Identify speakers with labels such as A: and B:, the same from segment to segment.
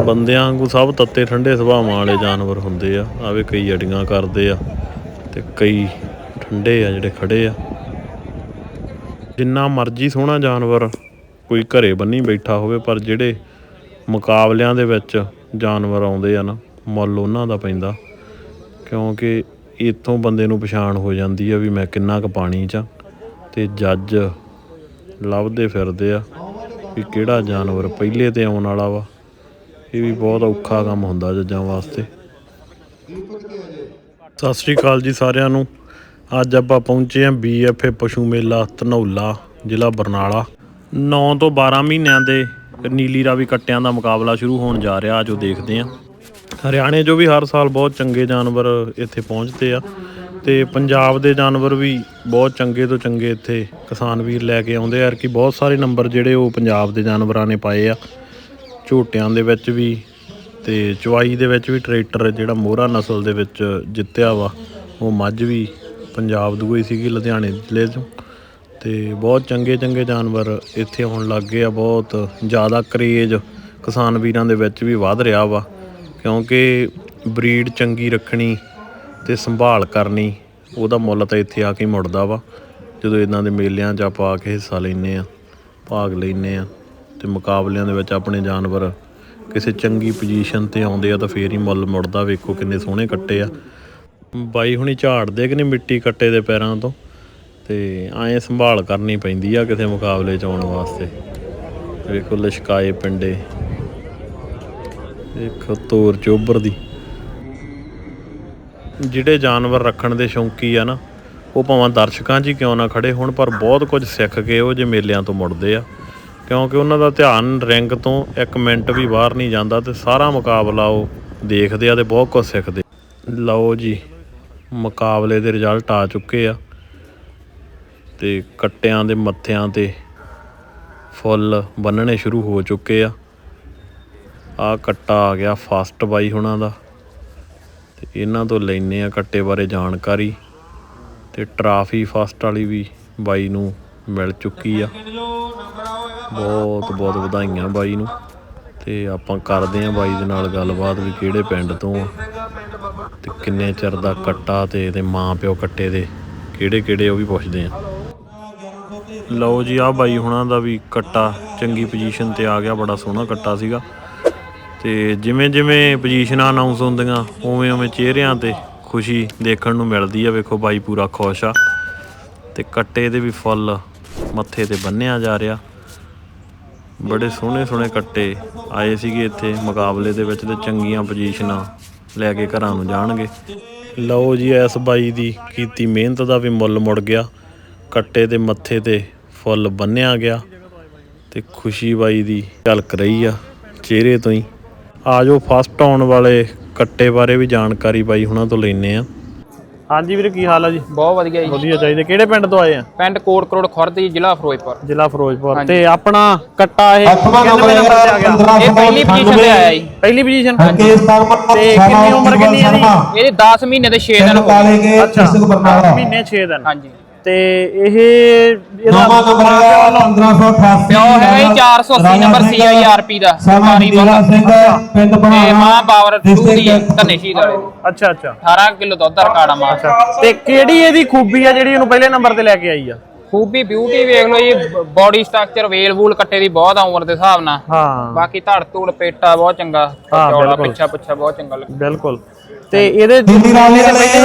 A: ਬੰਦਿਆਂ ਵਾਂਗੂ ਸਭ ਤੱਤੇ ਠੰਡੇ ਸੁਭਾਵਾਂ ਵਾਲੇ ਜਾਨਵਰ ਹੁੰਦੇ ਆ। ਆਵੇ ਕਈ ਅੜੀਆਂ ਕਰਦੇ ਆ ਤੇ ਕਈ ਠੰਡੇ ਆ ਜਿਹੜੇ ਖੜੇ ਆ। ਜਿੰਨਾ ਮਰਜ਼ੀ ਸੋਹਣਾ ਜਾਨਵਰ ਕੋਈ ਘਰੇ ਬੰਨੀ ਬੈਠਾ ਹੋਵੇ, ਪਰ ਜਿਹੜੇ ਮੁਕਾਬਲਿਆਂ ਦੇ ਵਿੱਚ ਜਾਨਵਰ ਆਉਂਦੇ ਆ ਨਾ, ਮੁੱਲ ਉਹਨਾਂ ਦਾ ਪੈਂਦਾ, ਕਿਉਂਕਿ ਇੱਥੋਂ ਬੰਦੇ ਨੂੰ ਪਛਾਣ ਹੋ ਜਾਂਦੀ ਆ ਵੀ ਮੈਂ ਕਿੰਨਾ ਕੁ ਪਾਣੀ 'ਚ। ਅਤੇ ਜੱਜ ਲੱਭਦੇ ਫਿਰਦੇ ਆ ਵੀ ਕਿਹੜਾ ਜਾਨਵਰ ਪਹਿਲੇ 'ਤੇ ਆਉਣ ਵਾਲਾ ਵਾ। ਇਹ ਵੀ ਬਹੁਤ ਔਖਾ ਕੰਮ ਹੁੰਦਾ ਜੱਜਾਂ ਵਾਸਤੇ। ਸਤਿ ਸ਼੍ਰੀ ਅਕਾਲ ਜੀ ਸਾਰਿਆਂ ਨੂੰ। ਅੱਜ ਆਪਾਂ ਪਹੁੰਚੇ ਹਾਂ BFA ਪਸ਼ੂ ਮੇਲਾ ਧਨੌਲਾ, ਜ਼ਿਲ੍ਹਾ ਬਰਨਾਲਾ। 9 ਤੋਂ 12 ਮਹੀਨਿਆਂ ਦੇ ਨੀਲੀ ਰਾਵੀ ਕੱਟਿਆਂ ਦਾ ਮੁਕਾਬਲਾ ਸ਼ੁਰੂ ਹੋਣ ਜਾ ਰਿਹਾ। ਜੋ ਦੇਖਦੇ ਹਾਂ, ਹਰਿਆਣੇ 'ਚੋਂ ਵੀ ਹਰ ਸਾਲ ਬਹੁਤ ਚੰਗੇ ਜਾਨਵਰ ਇੱਥੇ ਪਹੁੰਚਦੇ ਆ ਅਤੇ ਪੰਜਾਬ ਦੇ ਜਾਨਵਰ ਵੀ ਬਹੁਤ ਚੰਗੇ ਤੋਂ ਚੰਗੇ ਇੱਥੇ ਕਿਸਾਨ ਵੀਰ ਲੈ ਕੇ ਆਉਂਦੇ ਆ। ਕਿ ਬਹੁਤ ਸਾਰੇ ਨੰਬਰ ਜਿਹੜੇ ਉਹ ਪੰਜਾਬ ਦੇ ਜਾਨਵਰਾਂ ਨੇ ਪਾਏ ਆ, ਝੋਟਿਆਂ ਦੇ ਵਿੱਚ ਵੀ ਅਤੇ ਚਵਾਈ ਦੇ ਵਿੱਚ ਵੀ। ਟਰੈਕਟਰ ਜਿਹੜਾ ਮੋਹਰਾ ਨਸਲ ਦੇ ਵਿੱਚ ਜਿੱਤਿਆ ਵਾ, ਉਹ ਮੱਝ ਵੀ ਪੰਜਾਬ ਦੂਈ ਸੀਗੀ, ਲੁਧਿਆਣੇ ਜ਼ਿਲ੍ਹੇ 'ਚੋਂ। ਅਤੇ ਬਹੁਤ ਚੰਗੇ ਚੰਗੇ ਜਾਨਵਰ ਇੱਥੇ ਆਉਣ ਲੱਗ ਗਏ ਆ। ਬਹੁਤ ਜ਼ਿਆਦਾ ਕਰੇਜ਼ ਕਿਸਾਨ ਵੀਰਾਂ ਦੇ ਵਿੱਚ ਵੀ ਵੱਧ ਰਿਹਾ ਵਾ, ਕਿਉਂਕਿ ਬਰੀਡ ਚੰਗੀ ਰੱਖਣੀ ਅਤੇ ਸੰਭਾਲ ਕਰਨੀ, ਉਹਦਾ ਮੁੱਲ ਤਾਂ ਇੱਥੇ ਆ ਕੇ ਮੁੜਦਾ ਵਾ। ਜਦੋਂ ਇੱਦਾਂ ਦੇ ਮੇਲਿਆਂ 'ਚ ਆਪਾਂ ਆ ਕੇ ਹਿੱਸਾ ਲੈਂਦੇ ਹਾਂ, ਭਾਗ ਲੈਂਦੇ ਹਾਂ ਅਤੇ ਮੁਕਾਬਲਿਆਂ ਦੇ ਵਿੱਚ ਆਪਣੇ ਜਾਨਵਰ ਕਿਸੇ ਚੰਗੀ ਪੋਜੀਸ਼ਨ 'ਤੇ ਆਉਂਦੇ ਆ, ਤਾਂ ਫੇਰ ਹੀ ਮੁੱਲ ਮੁੜਦਾ। ਵੇਖੋ ਕਿੰਨੇ ਸੋਹਣੇ ਕੱਟੇ ਆ। ਬਾਈ ਹੁਣੀ ਝਾੜਦੇ ਕਿ ਨਹੀਂ ਮਿੱਟੀ ਕੱਟੇ ਦੇ ਪੈਰਾਂ ਤੋਂ, ਅਤੇ ਐਂ ਸੰਭਾਲ ਕਰਨੀ ਪੈਂਦੀ ਆ ਕਿਸੇ ਮੁਕਾਬਲੇ 'ਚ ਆਉਣ ਵਾਸਤੇ। ਵੇਖੋ ਲਿਸ਼ਕਾਏ ਪਿੰਡੇ, ਵੇਖੋ ਤੋਰ ਚੋਬਰ ਦੀ। ਜਿਹੜੇ ਜਾਨਵਰ ਰੱਖਣ ਦੇ ਸ਼ੌਂਕੀ ਆ ਨਾ, ਉਹ ਭਾਵੇਂ ਦਰਸ਼ਕਾਂ 'ਚ ਹੀ ਕਿਉਂ ਨਾ ਖੜੇ ਹੋਣ, ਪਰ ਬਹੁਤ ਕੁਝ ਸਿੱਖ ਕੇ ਉਹ ਜੇ ਮੇਲਿਆਂ ਤੋਂ ਮੁੜਦੇ ਆ, ਕਿਉਂਕਿ ਉਹਨਾਂ ਦਾ ਧਿਆਨ ਰਿੰਗ ਤੋਂ 1 ਮਿੰਟ ਵੀ ਬਾਹਰ ਨਹੀਂ ਜਾਂਦਾ ਅਤੇ ਸਾਰਾ ਮੁਕਾਬਲਾ ਉਹ ਦੇਖਦੇ ਆ ਅਤੇ ਬਹੁਤ ਕੁਝ ਸਿੱਖਦੇ। ਲਓ ਜੀ, ਮੁਕਾਬਲੇ ਦੇ ਰਿਜ਼ਲਟ ਆ ਚੁੱਕੇ ਆ ਅਤੇ ਕੱਟਿਆਂ ਦੇ ਮੱਥਿਆਂ 'ਤੇ ਫੁੱਲ ਬੰਨਣੇ ਸ਼ੁਰੂ ਹੋ ਚੁੱਕੇ ਆ। ਆਹ ਕੱਟਾ ਆ ਗਿਆ ਫਸਟ ਬਾਈ ਹੁਣਾਂ ਦਾ, ਅਤੇ ਇਹਨਾਂ ਤੋਂ ਲੈਂਦੇ ਆ ਕੱਟੇ ਬਾਰੇ ਜਾਣਕਾਰੀ। ਅਤੇ ਟਰਾਫੀ ਫਸਟ ਵਾਲੀ ਵੀ ਬਾਈ ਨੂੰ ਮਿਲ ਚੁੱਕੀ ਆ। ਬਹੁਤ ਬਹੁਤ ਵਧਾਈਆਂ ਬਾਈ ਨੂੰ। ਅਤੇ ਆਪਾਂ ਕਰਦੇ ਹਾਂ ਬਾਈ ਦੇ ਨਾਲ ਗੱਲਬਾਤ ਵੀ ਕਿਹੜੇ ਪਿੰਡ ਤੋਂ ਆ ਅਤੇ ਕਿੰਨੇ ਚਿਰ ਦਾ ਕੱਟਾ, ਅਤੇ ਇਹਦੇ ਮਾਂ ਪਿਓ ਕੱਟੇ ਦੇ ਕਿਹੜੇ ਕਿਹੜੇ, ਉਹ ਵੀ ਪੁੱਛਦੇ ਹਾਂ। ਲਓ ਜੀ, ਆਹ ਬਾਈ ਹੁਣਾਂ ਦਾ ਵੀ ਕੱਟਾ ਚੰਗੀ ਪੋਜੀਸ਼ਨ 'ਤੇ ਆ ਗਿਆ। ਬੜਾ ਸੋਹਣਾ ਕੱਟਾ ਸੀਗਾ, ਅਤੇ ਜਿਵੇਂ ਜਿਵੇਂ ਪੋਜੀਸ਼ਨਾਂ ਅਨਾਊਂਸ ਹੁੰਦੀਆਂ ਉਵੇਂ ਉਵੇਂ ਚਿਹਰਿਆਂ 'ਤੇ ਖੁਸ਼ੀ ਦੇਖਣ ਨੂੰ ਮਿਲਦੀ ਆ। ਵੇਖੋ ਬਾਈ ਪੂਰਾ ਖੁਸ਼ ਆ, ਅਤੇ ਕੱਟੇ ਦੇ ਵੀ ਫੁੱਲ ਮੱਥੇ 'ਤੇ ਬੰਨ੍ਹਿਆ ਜਾ ਰਿਹਾ। ਬੜੇ ਸੋਹਣੇ ਸੋਹਣੇ ਕੱਟੇ ਆਏ ਸੀਗੇ ਇੱਥੇ ਮੁਕਾਬਲੇ ਦੇ ਵਿੱਚ, ਅਤੇ ਚੰਗੀਆਂ ਪੋਜੀਸ਼ਨਾਂ ਲੈ ਕੇ ਘਰਾਂ ਨੂੰ ਜਾਣਗੇ। ਲਓ ਜੀ, ਇਸ ਬਾਈ ਦੀ ਕੀਤੀ ਮਿਹਨਤ ਦਾ ਵੀ ਮੁੱਲ ਮੁੜ ਗਿਆ। ਕੱਟੇ ਦੇ ਮੱਥੇ 'ਤੇ ਫੁੱਲ ਬੰਨ੍ਹਿਆ ਗਿਆ ਅਤੇ ਖੁਸ਼ੀ ਬਾਈ ਦੀ ਝਲਕ ਰਹੀ ਆ ਚਿਹਰੇ ਤੋਂ ਹੀ। ਆ ਜਾਓ ਫਸਟ ਆਉਣ ਵਾਲੇ ਕੱਟੇ ਬਾਰੇ ਵੀ ਜਾਣਕਾਰੀ ਬਾਈ ਹੁਣਾਂ ਤੋਂ ਲੈਂਦੇ ਹਾਂ। ਹਾਂਜੀ ਵੀਰ, ਕੀ ਹਾਲ ਆ ਜੀ?
B: ਬਹੁਤ ਵਧੀਆ ਜੀ।
A: ਵਧੀਆ ਚਾਹੀਦਾ। ਕਿਹੜੇ ਪਿੰਡ ਤੋਂ ਆਏ ਆ?
B: ਪਿੰਡ ਕੋਟ ਕਰੋੜ ਖੁਰਦ ਜੀ, ਜ਼ਿਲ੍ਹਾ ਫਿਰੋਜ਼ਪੁਰ।
A: ਜ਼ਿਲ੍ਹਾ ਫਿਰੋਜ਼ਪੁਰ। ਤੇ ਆਪਣਾ ਕੱਟਾ ਇਹ
B: ਕਿੰਨੇ ਨੰਬਰ ਤੇ ਆ ਗਿਆ? ਇਹ ਪਹਿਲੀ ਪੋਜੀਸ਼ਨ ਤੇ ਆਇਆ ਜੀ।
A: ਪਹਿਲੀ ਪੋਜੀਸ਼ਨ। ਤੇ ਕਿੰਨੀ ਉਮਰ ਕਿੰਨੀ ਹੈ ਜੀ?
B: ਇਹਦੇ 10 ਮਹੀਨੇ ਤੇ 6 ਦਿਨ ਹੋ ਗਏ।
A: ਅੱਛਾ, 10 ਮਹੀਨੇ 6 ਦਿਨ।
B: ਹਾਂਜੀ।
A: ਤੇ ਇਹ ਇਹਦਾ
B: ਪਿਓ ਹੈਗਾ ਜੀ 480 ਨੰਬਰ CIRP ਦਾ ਸਰਕਾਰੀ ਵਾਲਾ ਤੇ ਮਾਂ ਪਾਵਰ 2 ਦੀ ਹੈ ਧੰਨੇ ਸ਼ਹੀਦ ਵਾਲੇ।
A: ਅੱਛਾ ਅੱਛਾ।
B: 18 ਕਿਲੋ ਦੁੱਧ ਦਾ ਰਿਕਾਰਡ ਆ ਮਾਂ।
A: ਤੇ ਕਿਹੜੀ ਇਹਦੀ ਖੂਬੀ ਆ ਜਿਹੜੀ ਇਹਨੂੰ ਪਹਿਲੇ ਨੰਬਰ ਤੇ ਲੈ ਕੇ ਆਈ ਆ?
B: ਖੂਬੀ ਬਿਊਟੀ ਵੇਖ ਲਓ ਜੀ, ਬੋਡੀ ਸਟਰਕਚਰ ਵੇਲ ਵੂਲ ਕੱਟੇ ਦੀ ਬਹੁਤ ਆ ਉਮਰ ਦੇ ਹਿਸਾਬ ਨਾਲ।
A: ਹਾਂ, ਬਾਕੀ
B: ਧੜ ਧੂੜ ਪੇਟਾ ਬਹੁਤ ਚੰਗਾ, ਚੌੜਾ ਪਿੱਛਾ ਪੁੱਛਾ ਬਹੁਤ ਚੰਗਾ ਲੱਗਾ।
A: ਬਿਲਕੁਲ। ਤੇ ਇਹਦੇ
B: ਨਹੀਂ ਆਏ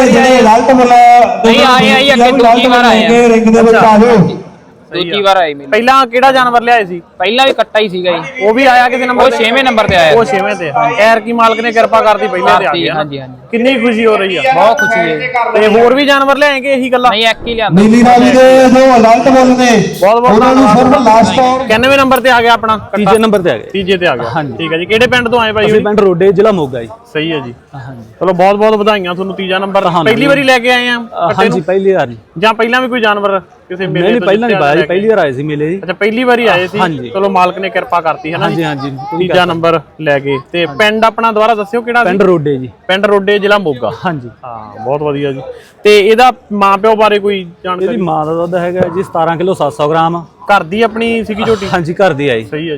B: ਅੱਗੇ ਦੂਜੀ ਵਾਰ ਆਏ ਆ। ਦੂਜੀ ਵਾਰ ਆਏ ਮੈਨੂੰ।
A: ਪਹਿਲਾਂ ਕਿਹੜਾ ਜਾਨਵਰ ਲਿਆਏ ਸੀ?
B: ਪਹਿਲਾਂ ਵੀ ਕੱਟਾ ਹੀ ਸੀਗਾ ਜੀ।
A: ਉਹ ਵੀ ਆਇਆ ਕਿਸੇ ਨੰਬਰ ਤੇ?
B: 6ਵੇਂ ਨੰਬਰ ਤੇ ਆਇਆ।
A: ਉਹ 6ਵੇਂ ਤੇ। ਐਰ ਕੀ ਮਾਲਕ ਨੇ ਕਿਰਪਾ ਕਰਦੀ ਪਹਿਲੇ ਤੇ ਆ ਗਿਆ।
B: ਹਾਂਜੀ ਹਾਂਜੀ।
A: ਕਿੰਨੀ ਖੁਸ਼ੀ ਹੋ ਰਹੀ ਆ।
B: ਬਹੁਤ ਖੁਸ਼ੀ ਹੈ।
A: ਤੇ ਹੋਰ ਵੀ ਜਾਨਵਰ ਲਿਆਏਗੇ ਇਹੀ ਗੱਲਾਂ?
B: ਨਹੀਂ, ਇੱਕ ਹੀ ਲਿਆਂਦਾ।
C: ਨੀਲੀ ਰਾਵੀ ਦੇ ਜੋ ਅਲਰਟ ਬੋਲ ਨੇ
A: ਬਹੁਤ ਬਹੁਤ
C: ਉਹਨਾਂ ਨੂੰ ਸਿਰਫ ਲਾਸਟ ਆਉਣ।
A: 91 ਨੰਬਰ ਤੇ ਆ ਗਿਆ ਆਪਣਾ।
D: ਤੀਜੇ ਨੰਬਰ ਤੇ ਆ ਗਿਆ।
A: ਤੀਜੇ ਤੇ ਆ ਗਿਆ। ਠੀਕ ਹੈ ਜੀ। ਕਿਹੜੇ ਪਿੰਡ ਤੋਂ ਆਏ ਭਾਈ?
D: ਪਿੰਡ ਰੋਡੇ, ਜ਼ਿਲ੍ਹਾ ਮੋਗਾ ਜੀ।
A: ਸਹੀ ਹੈ ਜੀ। ਚਲੋ ਬਹੁਤ ਬਹੁਤ ਵਧਾਈਆਂ ਤੁਹਾਨੂੰ। ਤੀਜਾ ਨੰਬਰ ਪਹਿਲੀ ਵਾਰੀ ਲੈ ਕੇ ਆਏ ਆ?
D: ਹਾਂਜੀ, ਪਹਿਲੀ ਵਾਰ। ਜਾਂ
A: ਪਹਿਲਾਂ ਵੀ ਕੋਈ ਜਾਨਵਰ ਕਿਸੇ ਮੇਲੇ
D: ਤੋਂ? ਪਹਿਲਾਂ ਨਹੀਂ ਪਾਇਆ ਜੀ, ਪਹਿਲੀ ਵਾਰ ਆਏ ਸੀ ਮੇਲੇ ਜੀ।
A: ਅੱਛਾ, ਪਹਿਲੀ ਵਾਰੀ ਆਏ ਸੀ। ਚਲੋ ਮਾਲਕ ਨੇ ਕਿਰਪਾ ਕਰਤੀ ਹੈ ਨਾ।
D: ਹਾਂਜੀ ਹਾਂਜੀ।
A: ਤੀਜਾ ਨੰਬਰ ਲੈ ਗਏ। ਤੇ ਪਿੰਡ ਆਪਣਾ ਦੁਬਾਰਾ ਦੱਸਿਓ ਕਿਹੜਾ?
D: ਪਿੰਡ ਰੋਡੇ ਜੀ।
A: ਪਿੰਡ ਰੋਡੇ, ਜ਼ਿਲ੍ਹਾ ਮੋਗਾ।
D: ਹਾਂਜੀ
A: ਹਾਂ, ਬਹੁਤ ਵਧੀਆ ਜੀ। ਤੇ ਇਹਦਾ ਮਾਂ ਪਿਓ ਬਾਰੇ ਕੋਈ ਜਾਣਕਾਰੀ?
D: ਇਹਦੀ ਮਾਂ ਦਾ ਦੁੱਧ ਹੈਗਾ ਜੀ 17 ਕਿਲੋ 700 ਗ੍ਰਾਮ।
A: ਘਰ ਦੀ ਆਪਣੀ ਸੀਗੀ ਝੋਟੀ?
D: ਹਾਂਜੀ, ਘਰ ਦੀ ਆਈ।
A: ਸਹੀ ਹੈ ਜੀ।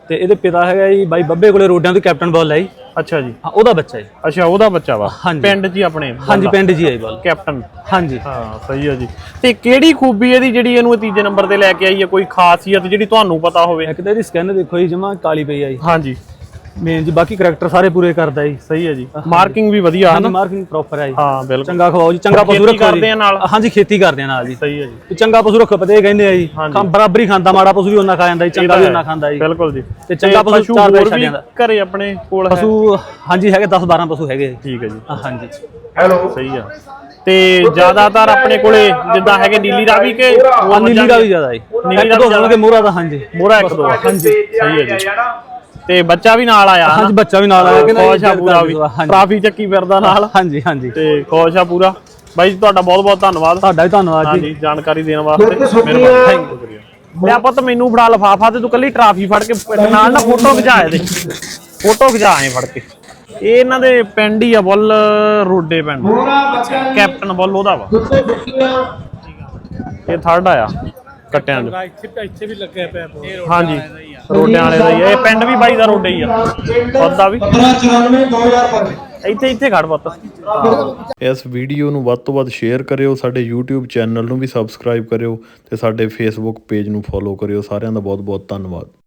D: ਤੇ ਇਹਦੇ ਪਿਤਾ ਹੈਗਾ ਜੀ ਬਾਈ ਬੱਬੇ ਕੋਲੇ ਰੋਡਾਂ ਤੋਂ ਕੈਪਟਨ ਬੋਲ ਹੈ ਜੀ।
A: ਅੱਛਾ ਜੀ,
D: ਹਾਂ ਉਹਦਾ ਬੱਚਾ ਜੀ।
A: ਅੱਛਾ ਉਹਦਾ ਬੱਚਾ ਵਾ
D: ਹਾਂਜੀ।
A: ਪਿੰਡ ਜੀ ਆਪਣੇ
D: ਹਾਂਜੀ ਪਿੰਡ ਜੀ ਆਈ ਬੋਲ
A: ਕੈਪਟਨ।
D: ਹਾਂਜੀ
A: ਹਾਂ ਸਹੀ ਆ ਜੀ। ਤੇ ਕਿਹੜੀ ਖੂਬੀ ਇਹਦੀ ਜਿਹੜੀ ਇਹਨੂੰ ਤੀਜੇ ਨੰਬਰ ਤੇ ਲੈ ਕੇ ਆਈ ਹੈ, ਕੋਈ ਖਾਸੀਅਤ ਜਿਹੜੀ ਤੁਹਾਨੂੰ ਪਤਾ ਹੋਵੇ?
D: ਇੱਕ ਤਾਂ ਇਹਦੀ ਸਕਿਨ ਦੇਖੋ ਜੀ ਜਮਾ ਕਾਲੀ ਪਈ ਆ ਜੀ।
A: ਹਾਂਜੀ
D: ਮੇਨ ਜੀ ਬਾਕੀ ਕਰੈਕਟਰ ਸਾਰੇ ਪੂਰੇ ਕਰਦਾ ਜੀ।
A: ਸਹੀ ਹੈ ਜੀ, ਮਾਰਕਿੰਗ ਵੀ ਵਧੀਆ ਹੈ ਨਾ?
D: ਮਾਰਕਿੰਗ ਪ੍ਰੋਪਰ ਹੈ ਜੀ।
A: ਹਾਂ ਬਿਲਕੁਲ।
D: ਚੰਗਾ ਖਵਾਓ ਜੀ, ਚੰਗਾ ਪਸ਼ੂ ਰੱਖੋ
A: ਕਰਦੇ ਆ ਨਾਲ।
D: ਹਾਂਜੀ ਖੇਤੀ ਕਰਦੇ ਆ ਨਾਲ ਜੀ।
A: ਸਹੀ ਹੈ ਜੀ,
D: ਚੰਗਾ ਪਸ਼ੂ ਰੱਖੋ ਪਤੇ ਕਹਿੰਦੇ ਆ ਜੀ, ਬਰਾਬਰੀ ਖਾਂਦਾ, ਮਾੜਾ ਪਸ਼ੂ ਵੀ ਉਹਨਾਂ ਖਾ ਜਾਂਦਾ ਜੀ, ਚੰਗਾ ਵੀ ਉਹਨਾਂ ਖਾਂਦਾ ਜੀ।
A: ਬਿਲਕੁਲ ਜੀ।
D: ਤੇ ਚੰਗਾ ਪਸ਼ੂ ਚਾਰ ਪੈਸੇ ਛੱਡ ਜਾਂਦਾ
A: ਘਰੇ ਆਪਣੇ ਕੋਲ
D: ਪਸ਼ੂ। ਹਾਂਜੀ ਹੈਗੇ 10-12 ਪਸ਼ੂ ਹੈਗੇ ਜੀ।
A: ਠੀਕ ਹੈ ਜੀ।
D: ਹਾਂਜੀ
A: ਹੈਲੋ ਸਹੀ ਆ। ਤੇ ਜ਼ਿਆਦਾਤਰ ਆਪਣੇ ਕੋਲੇ ਜਿੱਦਾਂ ਹੈਗੇ ਨੀਲੀ ਰਾਵੀ ਕੇ
D: ਨੀਲੀ ਦਾ ਵੀ ਜ਼ਿਆਦਾ ਜੀ।
A: ਨੀਲੀ
D: ਇੱਕ ਦੋ ਹੋਣਗੇ ਮੋਹਰਾ ਦਾ। ਹਾਂਜੀ
A: ਮੋਹਰਾ ਇੱਕ ਦੋ। ਹਾਂਜੀ ਸਹੀ ਹੈ ਜੀ। ਤੇ ਬੱਚਾ ਵੀ ਨਾਲ ਆਇਆ?
D: ਹਾਂਜੀ ਬੱਚਾ ਵੀ ਨਾਲ ਆਇਆ ਕਿ
A: ਖੁਸ਼ ਆ ਪੂਰਾ, ਵੀ ਟਰਾਫੀ ਚੱਕੀ ਫਿਰਦਾ ਨਾਲ।
D: ਹਾਂਜੀ ਹਾਂਜੀ
A: ਤੇ ਖੁਸ਼ ਆ ਪੂਰਾ। ਬਾਈ ਜੀ ਤੁਹਾਡਾ ਬਹੁਤ ਬਹੁਤ ਧੰਨਵਾਦ।
D: ਤੁਹਾਡਾ ਵੀ ਧੰਨਵਾਦ ਜੀ
A: ਜਾਣਕਾਰੀ ਦੇਣ ਵਾਸਤੇ। ਮਿਹਰਬਾਨੀ। ਲਿਆ ਪੁੱਤ ਮੈਨੂੰ ਫੜਾ ਲਫਾਫਾ ਤੇ ਤੂੰ ਕੱਲੀ ਟਰਾਫੀ ਫੜ ਕੇ ਨਾਲ ਨਾ ਫੋਟੋ ਖਿਚਾ ਇਹਦੇ, ਫੋਟੋ ਖਿਚਾ ਐ ਫੜ ਕੇ। ਇਹ ਇਹਨਾਂ ਦੇ ਪਿੰਡ ਹੀ ਆ ਬੁੱਲ ਰੋਡੇ ਪਿੰਡ, ਕੈਪਟਨ ਬੁੱਲ ਉਹਦਾ ਵਾ। ਇਹ ਥਰਡ ਆਇਆ ਕੱਟਿਆਂ ਦੇ।
D: ਇੱਥੇ ਵੀ ਲੱਗਿਆ ਪਿਆ।
A: ਹਾਂਜੀ ਰੋਡਿਆਂ ਵਾਲੇ ਦਾ ਹੀ ਆ ਇਹ ਪਿੰਡ ਵੀ ਬਾਈ ਦਾ ਰੋਡੇ ਹੀ ਆ ਉਹਦਾ ਵੀ।
C: 1594 2005
A: ਇੱਥੇ ਖੜ ਪੁੱਤ। ਇਸ ਵੀਡੀਓ ਨੂੰ ਵੱਧ ਤੋਂ ਵੱਧ ਸ਼ੇਅਰ ਕਰਿਓ, ਸਾਡੇ YouTube ਚੈਨਲ ਨੂੰ ਵੀ ਸਬਸਕ੍ਰਾਈਬ ਕਰਿਓ ਤੇ ਸਾਡੇ Facebook ਪੇਜ ਨੂੰ ਫੋਲੋ ਕਰਿਓ। ਸਾਰਿਆਂ ਦਾ ਬਹੁਤ ਬਹੁਤ ਧੰਨਵਾਦ।